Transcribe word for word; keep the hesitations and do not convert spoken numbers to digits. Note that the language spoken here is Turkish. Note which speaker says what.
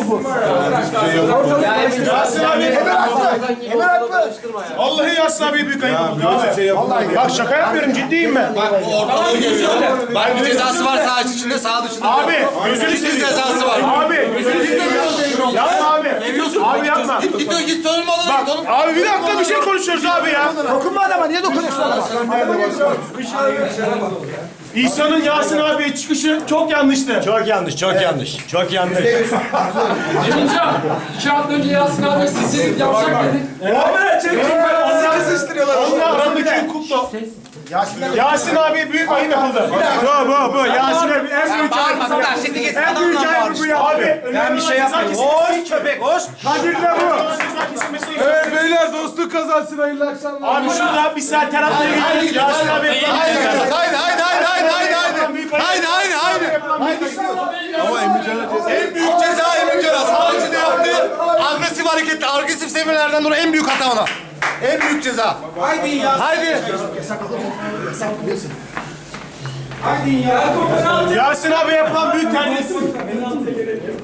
Speaker 1: bu.
Speaker 2: Yasin abi.
Speaker 1: Emir haklı. Emir haklı.
Speaker 2: Vallahi Yasin abi büyük ayıp oldu abi.
Speaker 1: Vallahi
Speaker 2: Bak şaka yapmıyorum, ciddiyim ben.
Speaker 3: Bak bu ortalığı görüyor. Bak bir cezası var sağ içinde sağ dışında.
Speaker 2: Abi gözünü
Speaker 3: Ciddi
Speaker 2: seveyim.
Speaker 3: cezası var.
Speaker 2: Abi gözünü seveyim. Yapma abi. Abi yapma.
Speaker 3: Git git git sorulma oğlum. Oğlum.
Speaker 2: Abi bir dakika bir şey konuşuyoruz abi ya.
Speaker 1: dokunma adama. Niye dokunuyorsun adama?
Speaker 2: İhsan'ın Yasin abiye çıkışı çok yanlıştı.
Speaker 4: Çok yanlış, çok yanlış. Çok yanlış.
Speaker 5: Emincan, iki hafta önce Yasin abi sizin yapacak dedik.
Speaker 2: Abi çek çek ben azı kızıştırıyorlar. Onunla aramdaki hukukta. Yasin abi büyük ayıp yapıldı. Bu bu bu. Yasin abi en büyük ayıp.
Speaker 3: Bağırma kadar şimdi git.
Speaker 2: En büyük ayıp bu ya. Abi
Speaker 4: Ben bir şey yapmayayım. Hoş köpek, hoş.
Speaker 2: Kadir'le bu.
Speaker 6: Evet beyler dostluk kazansın hayırlı akşamlar.
Speaker 2: Abi şurada bir saat terapiye gidiyoruz. Yasin abi.
Speaker 3: Haydi haydi haydi haydi haydi haydi haydi. Haydi haydi haydi.
Speaker 6: Ama Emircan'a
Speaker 3: En büyük ceza Emircan'a. Sağ içinde yaptı. Agresif hareketler, agresif seviyelerden dolayı en büyük hata ona. En büyük ceza. Haydi ya. Haydi.
Speaker 2: Yasin abi yapılan büyük terbiyesizlik.